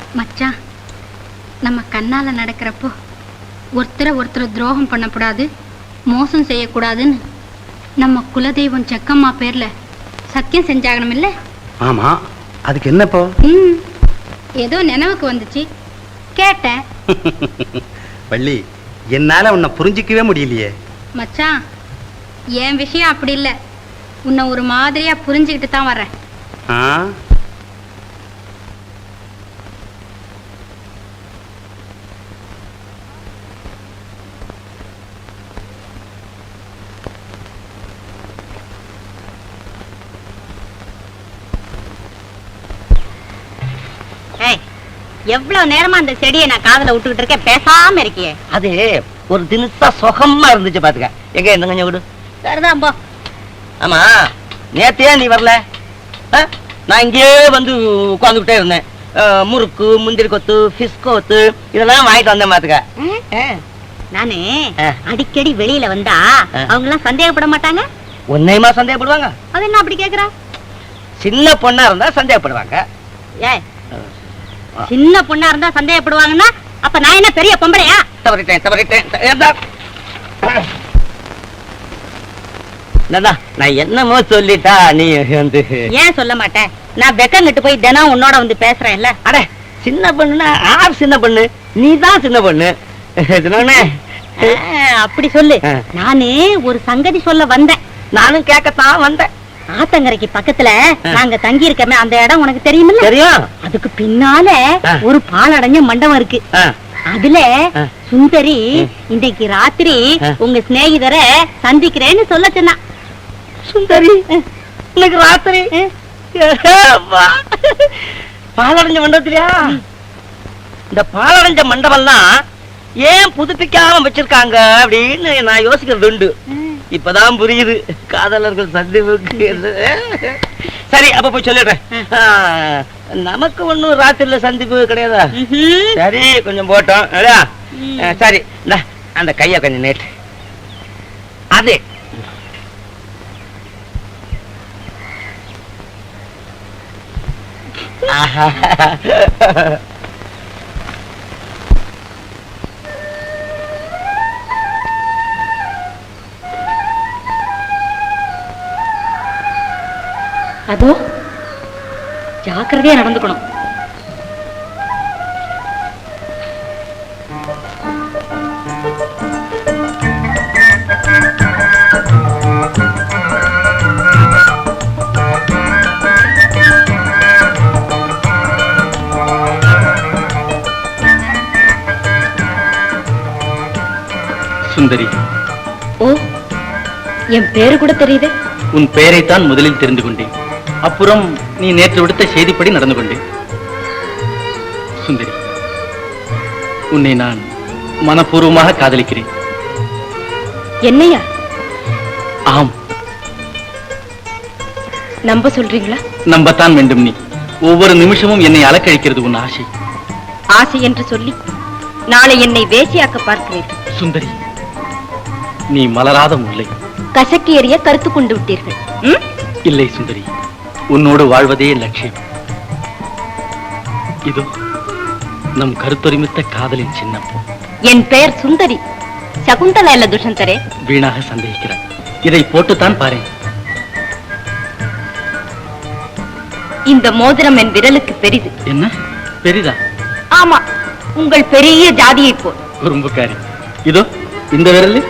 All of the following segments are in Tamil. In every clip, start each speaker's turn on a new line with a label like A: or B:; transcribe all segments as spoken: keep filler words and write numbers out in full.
A: மச்சான், நம்ம கண்ணால நடக்கிறப்போ ஒருத்தரை ஒருத்தர் துரோகம் பண்ணக்கூடாது, மோசம் செய்யக்கூடாதுன்னு நம்ம குலதெய்வம் செக்கம்மா பேர்ல சத்தியம் செஞ்சாகணும் இல்ல?
B: ஆமா, அதுக்கு என்னப்போ?
A: ம், ஏதோ நினைவுக்கு வந்துச்சு, கேட்டேன்.
B: வள்ளி, என்னால உன்னை புரிஞ்சிக்கவே முடியலையே.
A: மச்சான், என் விஷயம் அப்படி இல்லை, உன்னை ஒரு மாதிரியா புரிஞ்சுக்கிட்டு தான் வர்றேன்.
B: ஆ,
C: எவ்வளவு நேரமா அந்த செடியை நான் காதல விட்டுக்கிட்டு இருக்கேன், பேசாம இருக்கியே.
D: அது ஒரு தினசா சுகமா இருந்துச்சு பாத்துக்க. எங்க என்ன கொஞ்சம் விடு.
C: சரிதான் போ.
D: ஆமா, நேத்தையே நீ வரல? நான் இங்கேயே வந்து உட்காந்துக்கிட்டே இருந்தேன். முறுக்கு, முந்திரி கொத்து, பிஷ் கொத்து இதெல்லாம் வாங்கிட்டு வந்தேன் பாத்துக்க.
C: நானு அடிக்கடி வெளியில வந்தா அவங்க எல்லாம் சந்தேகப்பட மாட்டாங்க?
D: உன்னையுமா சந்தேகப்படுவாங்க?
C: அது என்ன அப்படி கேக்குறா?
D: சின்ன பொண்ணா இருந்தா சந்தேகப்படுவாங்க.
C: ஏ, சின்ன பொண்ணா இருந்தா சந்தேகப்படுவாங்கன்னா அப்ப நான் என்ன பெரிய பொம்பளையா?
D: தவறிட்டேன் தவறிட்டேன். நான் என்னமோ சொல்லிட்டா நீ வந்து
C: ஏன் சொல்ல மாட்டேன்? நான் வெக்கங்கிட்டு போய் தினம் உன்னோட வந்து பேசுறேன்ல.
D: அட, சின்ன பொண்ணுன்னா ஆர் சின்ன பொண்ணு? நீ தான் சின்ன பொண்ணு.
C: அப்படி சொல்லு. நானே ஒரு சங்கதி சொல்ல வந்தேன்.
D: நானும் கேட்கத்தான் வந்தேன்.
C: ஆத்தங்கரைக்கு பக்கத்துல நாங்க தங்கி இருக்கமே அந்த இடம் உனக்கு தெரியுமில்ல?
D: தெரியும்.
C: அதுக்கு பின்னால ஒரு பாலடைஞ்ச மண்டபம் இருக்கு. அதுல சுந்தரி இன்றைக்கு ராத்திரி உங்க சிநேகிதரை சந்திக்கிறேன்னு சொல்ல சொன்னா.
D: சுந்தரி இன்னைக்கு ராத்திரி பாலடைஞ்ச மண்டபத்திலயா? இந்த பாலடைஞ்ச மண்டபம்லாம் ஏன் புதுப்பிக்காம வச்சிருக்காங்க அப்படின்னு நான் யோசிக்கிறது உண்டு. இப்பதான் புரியுது காதலர்கள் சந்திப்புக்கு. சரி, அப்ப போய் சொல்லிடுறேன். நமக்கு ஒண்ணும் ராத்திரில சந்திப்பு கிடையாதா? சரி, கொஞ்சம் போட்டோம். சரி, அந்த கைய கொஞ்சம் நேற்று அதே
C: அதோ ஜாக்கிரதையா நடந்துக்கணும்.
E: சுந்தரி.
C: ஓ, என் பேரு கூட தெரியுது.
E: உன் பெயரைத்தான் முதலில் தெரிந்து கொண்டேன். அப்புறம் நீ நேற்று விடுத்த செய்திப்படி நடந்து கொண்டேன். சுந்தரி, உன்னை நான் மனப்பூர்வமாக காதலிக்கிறேன்.
C: என்னையா?
E: ஆம்.
C: நம்ப சொல்றீங்களா?
E: நம்பத்தான் வேண்டும். நீ ஒவ்வொரு நிமிஷமும் என்னை அலக்கழிக்கிறது உன் ஆசை.
C: ஆசை என்று சொல்லி நாளை என்னை வேசியாக்க பார்க்கிறீர்கள்.
E: சுந்தரி, நீ மலராத முல்லை.
C: கசக்கி எறிய கருத்து கொண்டு விட்டீர்கள்.
E: இல்லை சுந்தரி, உன்னோடு வாழ்வதே லட்சியம். இதோ நம் கருத்தொருமித்த காதலின் சின்னம்.
C: என் பெயர் சுந்தரி, சகுந்தலா இல்ல துஷந்தரே.
E: வீணாக சந்தேகிக்கிறார். இதை போட்டுத்தான் பாரு.
C: இந்த மோதிரம் என் விரலுக்கு பெரிது.
E: என்ன பெரிதா?
C: ஆமா, உங்கள் பெரிய ஜாதியை போல்.
E: குறும்புக்காரி. இதோ இந்த விரல்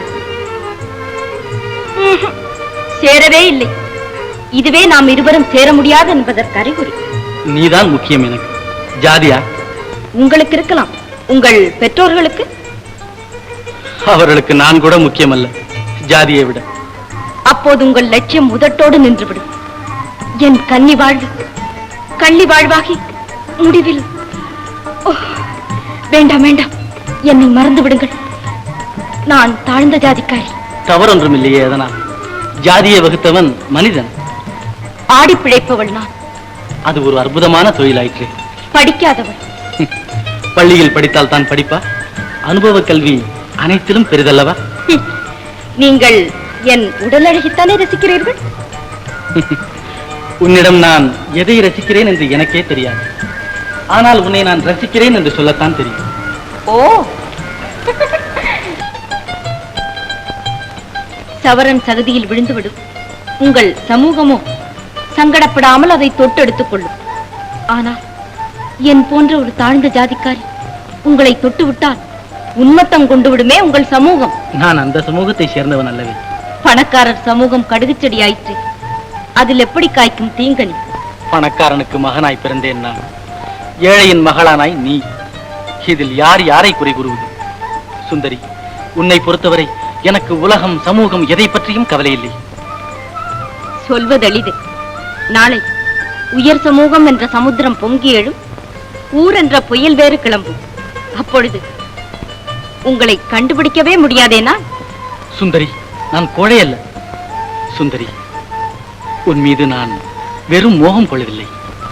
C: சேரவே இல்லை. இதுவே நாம் இருவரும் சேர முடியாது என்பதற்கு அறிகுறி.
E: நீதான் முக்கியம் எனக்கு. ஜாதியா?
C: உங்களுக்கு இருக்கலாம், உங்கள் பெற்றோர்களுக்கு?
E: அவர்களுக்கு நான் கூட முக்கியம் அல்ல, ஜாதியை விட.
C: அப்போது உங்கள் லட்சியம் முதட்டோடு நின்றுவிடும். என் கன்னி வாழ்வு கள்ளி வாழ்வாகி முடிவில். வேண்டாம் வேண்டாம், என்னை மறந்து விடுங்கள். நான் தாழ்ந்த ஜாதிக்காரி.
E: தவறொன்றும் இல்லையே. அதனால் ஜாதியை வகுத்தவன் மனிதன்.
C: ஆடி பிழைப்பவள் நான்.
E: அது ஒரு அற்புதமான தொழிலாயிற்று.
C: படிக்காதவள்.
E: பள்ளியில் படித்தால் தான் படிப்பா? அனுபவ கல்வி அனைத்திலும் பெரிதல்லவா?
C: நீங்கள் என் உடல் அழகித்தானே ரசிக்கிறீர்கள்?
E: உன்னிடம் நான் எதை ரசிக்கிறேன் என்று எனக்கே தெரியாது. ஆனால் உன்னை நான் ரசிக்கிறேன் என்று சொல்லத்தான் தெரியும்.
C: ஓ, சவரன் சகதியில் விழுந்துவிடும் உங்கள் சமூகமோ சங்கடப்படாமல் அதை தொட்டு எடுத்துக் கொள்ளும். ஆனால் என் போன்ற ஒரு தாழ்ந்த ஜாதிக்காரி உங்களை தொட்டு விட்டால் உன்மத்தம் கொண்டு விடுமே உங்கள் சமூகம்.
E: நான் அந்த சமூகத்தை சேர்ந்தவன் அல்லவே.
C: பணக்காரர் சமூகம் கடுகுச்செடி ஆயிற்று, அதில் எப்படி காய்க்கும் தீங்கனி?
E: பணக்காரனுக்கு மகனாய் பிறந்தேன் நான், ஏழையின் மகளானாய் நீ. இதில் யார் யாரை குறை கூறுவது? சுந்தரி, உன்னை பொறுத்தவரை எனக்கு உலகம் சமூகம் எதை பற்றியும் கவலை இல்லை.
C: சொல்வதெளிது. நாளை உயர் சமூகம் என்ற சமுத்திரம் பொங்கி எழும், ஊர் என்ற புயல் வேறு கிளம்பும். அப்பொழுது உங்களை கண்டுபிடிக்கவே முடியாதேனா?
E: சுந்தரி, நான் கோழை அல்ல. சுந்தரி, உன் மீது நான் வெறும் மோகம் கொள்ளவில்லை.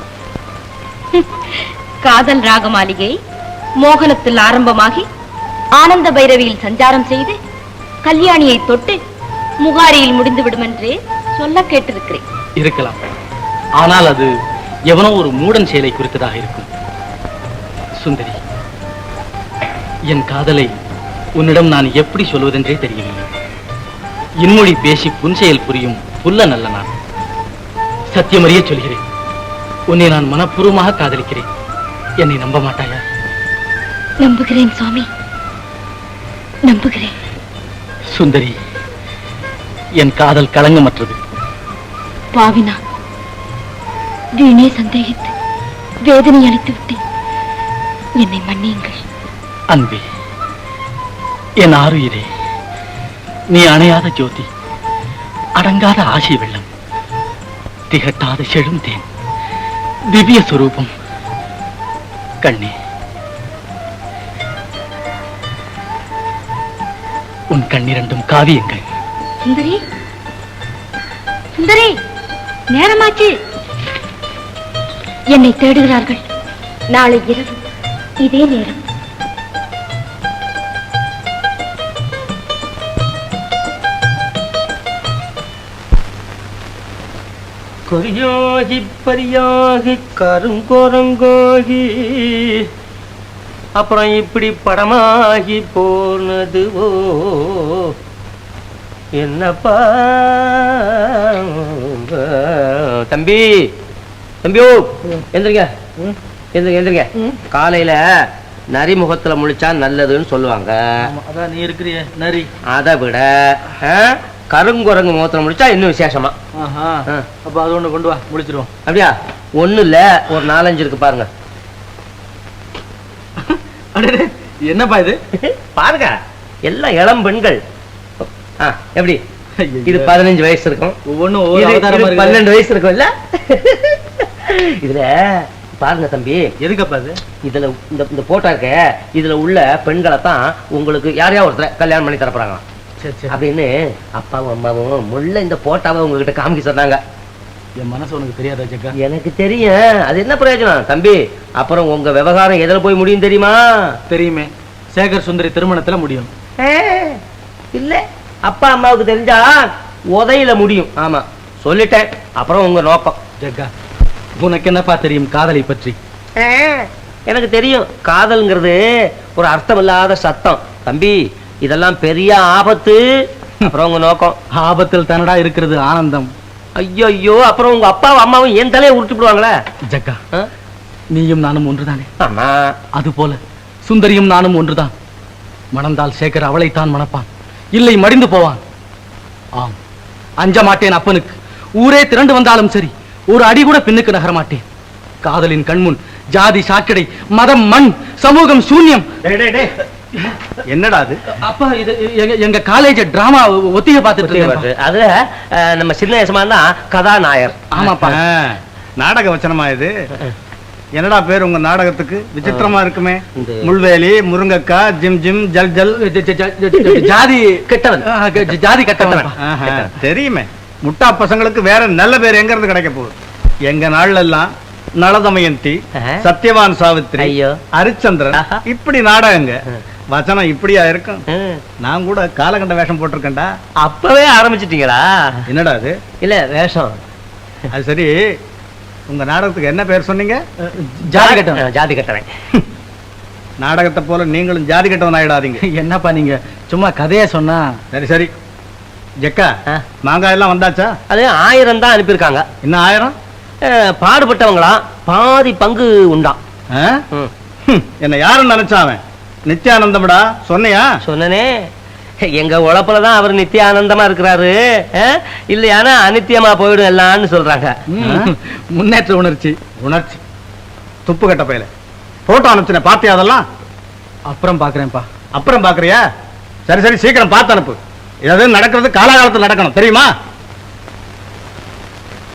C: காதல் ராக மாளிகை மோகனத்தில் ஆரம்பமாகி ஆனந்த பைரவியில் சஞ்சாரம் செய்து கல்யாணியை தொட்டு முகாரியில் முடிந்துவிடும் என்றே சொல்ல கேட்டிருக்கிறேன்.
E: இருக்கலாம், ஆனால் அது எவனோ ஒரு மூடன் செயலை குறித்ததாக இருக்கும். சுந்தரி, என் காதலை உன்னிடம் நான் எப்படி சொல்வதென்றே தெரியவில்லை. இன்மொழி பேசி புன்செயல் புரியும் புல்ல நல்ல நான். சத்தியமறிய சொல்கிறேன், உன்னை நான் மனப்பூர்வமாக காதலிக்கிறேன். என்னை நம்ப மாட்டாயா?
C: நம்புகிறேன் சுவாமி, நம்புகிறேன்.
E: சுந்தரி, என் காதல் களங்கமற்றது.
C: பாவினா, வீணே சந்தேகித்து வேதனை அளித்து விட்டேன். என்னை மன்னியுங்கள்.
E: அன்பே, என் ஆருயிரே, நீ அணையாத ஜோதி, அடங்காத ஆசை வெள்ளம், திகட்டாத செழுந்தேன், திவ்ய சுரூபம். கண்ணே, உன் கண்ணிரண்டும் காவியங்கள்.
C: சுந்தரி, சுந்தரி, நேரமாச்சு. என்னை தேடுகிறார்கள். நாளை இரவு இதே நேரம்.
D: கொரியாகி பரியாகி கருங்கோரங்கோகி அப்புறம் இப்படி படமாகி போனதுவோ என்னப்பா. தம்பி, தம்பியோ, எந்திரிங்க எந்திரிங்க எந்திரிங்க. காலையில நரிமுகத்துல முழிச்சா நல்லதுன்னு சொல்லுவாங்க.
E: அதான் நீ இருக்கிறிய நரி.
D: அதை விட கருங்குரங்கு முகத்துல முடிச்சா இன்னும் விசேஷமா.
E: அப்ப அது ஒண்ணு கொண்டு வா, முடிச்சிருவோம்.
D: அப்படியா? ஒண்ணு இல்ல, ஒரு நாலஞ்சு இருக்கு பாருங்க.
E: என்னப்பா இது?
D: பாருங்க, எல்லாம் இளம் பெண்கள். எப்படி இது பதினஞ்சு வயசு இருக்கும், ஒவ்வொன்னும் பன்னெண்டு வயசு இருக்கும் இல்ல? இதுல பாருங்க தம்பி.
E: எதுக்கப்பா இது?
D: இதுல இந்த போட்டோ இருக்க, இதுல உள்ள பெண்களை தான் உங்களுக்கு யாரையா ஒருத்தர் கல்யாணம் பண்ணி தரப்போறாங்க அப்படின்னு அப்பாவும் அம்மாவும் முள்ள இந்த போட்டாவை உங்ககிட்ட காமிக்க சொன்னாங்க.
E: என் மனசு உனக்கு தெரியாதா ஜக்கா?
D: எனக்கு தெரியும். அது என்ன பிரயோஜனம் தம்பி? அப்புறம் உங்க விவகாரம் எதில் போய் முடியும் தெரியுமா?
E: தெரியுமே, சேகர் சுந்தரி திருமணத்துல முடியும்.
D: இல்ல, அப்பா அம்மாவுக்கு தெரிஞ்சா உதையில முடியும். ஆமா, சொல்லிட்டேன். அப்புறம் உங்க நோக்கம்.
E: ஜக்கா, உனக்கு என்னப்பா தெரியும் காதலை பற்றி?
D: எனக்கு தெரியும், காதல்ங்கிறது ஒரு அர்த்தம் இல்லாத சத்தம் தம்பி. இதெல்லாம் பெரிய ஆபத்து. அப்புறம் உங்க நோக்கம்?
E: ஆபத்தில் தானடா இருக்கிறது ஆனந்தம்.
D: ஐயோ ஐயோ, அப்புறம் உங்க அப்பாவும் அம்மாவும் என் தலையை உருட்டி விடுவாங்களே.
E: ஜக்கா, நீயும் நானும் ஒன்றுதானே?
D: ஆமா.
E: அது போல சுந்தரியும் நானும் ஒன்றுதான். மணந்தால் சேகர் அவளைத்தான் மணப்பான், இல்லை மடிந்து போவான். ஆம், அஞ்ச மாட்டேன் அப்பனுக்கு. ஊரே திரண்டு வந்தாலும் சரி, ஒரு அடி கூட பின்னுக்கு நகர மாட்டேன். காதலின் கண்முன் ஜாதி சாக்கடை, மதம் மண், சமூகம் சூன்யம்.
B: என்னடா அது?
E: அப்பா, இது எங்க காலேஜ் டிராமா ஒத்திகை பார்த்துட்டு.
D: அதுல நம்ம சின்ன வயசுமா தான் கதாநாயர்.
E: ஆமாப்பா,
B: நாடக வச்சனமா இது? என்னடா பேர் உங்க நாடகத்துக்கு? விசித்திரமா இருக்குமே. முள்வேலி, முருங்கக்கா, ஜிம் ஜிம், ஜல் ஜல்,
E: ஜாதி கெட்டவன், ஜாதி கெட்டவன்.
B: தெரியுமே, முட்டா பசங்களுக்கு வேற நல்ல பேர் எங்க இருந்து கிடைக்க போகுது? எங்க நாள்ல எல்லாம் நளதமயந்தி, சத்யவான் சாவித்ரி, ஹரிச்சந்திரன், இப்படி நாடகங்க. வச்சனம் இப்படியா இருக்கும்? நான் கூட காலகண்ட வேஷம் போட்டிருக்கேன்டா.
D: அப்பவே ஆரம்பிச்சிட்டீங்களா?
B: என்னடா அது?
D: இல்ல வேஷம்.
B: அது சரி, உங்க நாடகத்துக்கு என்ன பேர் சொன்னீங்க?
E: ஜாதி கட்டம்.
D: ஜாதி கட்டவன்.
B: நாடகத்தை போல நீங்களும் ஜாதி கட்டவன் ஆயிடாதீங்க.
E: என்னப்பா நீங்க சும்மா கதையா சொன்னா.
B: சரி சரி ஜெக்கா, மாங்காய் எல்லாம் வந்தாச்சா?
D: அது ஆயிரம் தான் அனுப்பியிருக்காங்க.
B: இன்னும் ஆயிரம்?
D: பாடுபட்டவங்களா பாதி பங்கு உண்டாம்.
B: என்ன யாரும் நினைச்சாவன்? நித்யானந்தம்டா, சொன்னியா?
D: சொன்னனே, எங்க உழப்புலதான் அவர் நித்தியானந்தமா இருக்கிறாரு. இல்லையானா அனித்தியமா போயிடும் எல்லாம்னு சொல்றாங்க.
E: முன்னேற்ற உணர்ச்சி.
B: உணர்ச்சி துப்பு கட்ட பையல. போட்டோ அனுப்பிச்சுன, பாத்தியா அதெல்லாம்?
E: அப்புறம் பாக்குறேன்ப்பா.
B: அப்புறம் பாக்குறியா? சரி சரி சீக்கிரம் பார்த்து அனுப்பு. எது நடக்கிறது காலாகாலத்தில் நடக்கணும், தெரியுமா?